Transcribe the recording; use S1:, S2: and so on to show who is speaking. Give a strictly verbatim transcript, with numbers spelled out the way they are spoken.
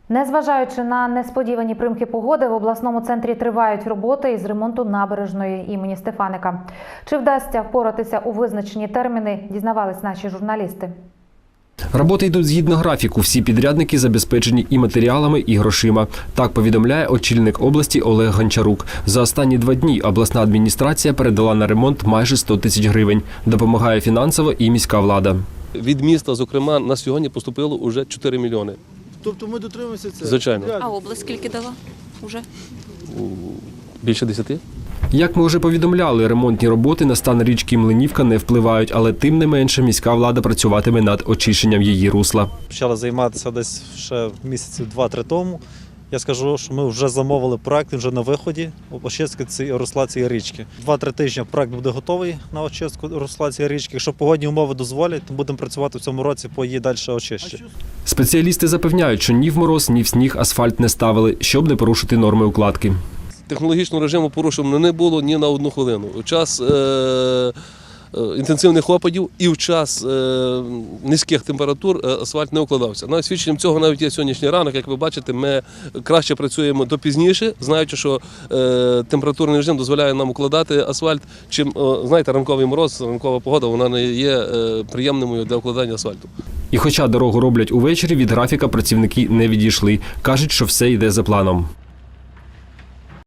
S1: Незважаючи на несподівані примки погоди, в обласному центрі тривають роботи із ремонту набережної імені Стефаника. Чи вдасться впоратися у визначені терміни, дізнавались наші журналісти.
S2: Роботи йдуть згідно графіку. Всі підрядники забезпечені і матеріалами, і грошима. Так повідомляє очільник області Олег Гончарук. За останні два дні обласна адміністрація передала на ремонт майже сто тисяч гривень. Допомагає фінансово і міська влада.
S3: Від міста, зокрема, на сьогодні поступило вже чотири мільйони.
S4: Тобто ми дотримуємося це?
S3: Звичайно.
S5: А область скільки дала уже?
S3: Більше десяти.
S2: Як ми вже повідомляли, ремонтні роботи на стан річки Млинівка не впливають, але тим не менше міська влада працюватиме над очищенням її русла.
S6: Почали займатися десь ще місяців два-три тому. Я скажу, що ми вже замовили проект, він вже на виході очистки цієї русла цієї річки. Два-три тижні проект буде готовий на очистку русла цієї річки. Якщо погодні умови дозволять, то будемо працювати в цьому році по її далі очищенню. Спеціалісти
S2: запевняють, що ні в мороз, ні в сніг асфальт не ставили, щоб не порушити норми укладки.
S3: Технологічного режиму порушено не було ні на одну хвилину. У час е інтенсивних опадів і в час е низьких температур асфальт не укладався. Навіть свідченням цього навіть є сьогоднішній ранок. Як ви бачите, ми краще працюємо до пізніше, знаючи, що е температурний режим дозволяє нам укладати асфальт, чим, е знаєте, ранковий мороз, ранкова погода, вона не є е приємною для укладання асфальту.
S2: І хоча дорогу роблять увечері, від графіка працівники не відійшли. Кажуть, що все йде за планом.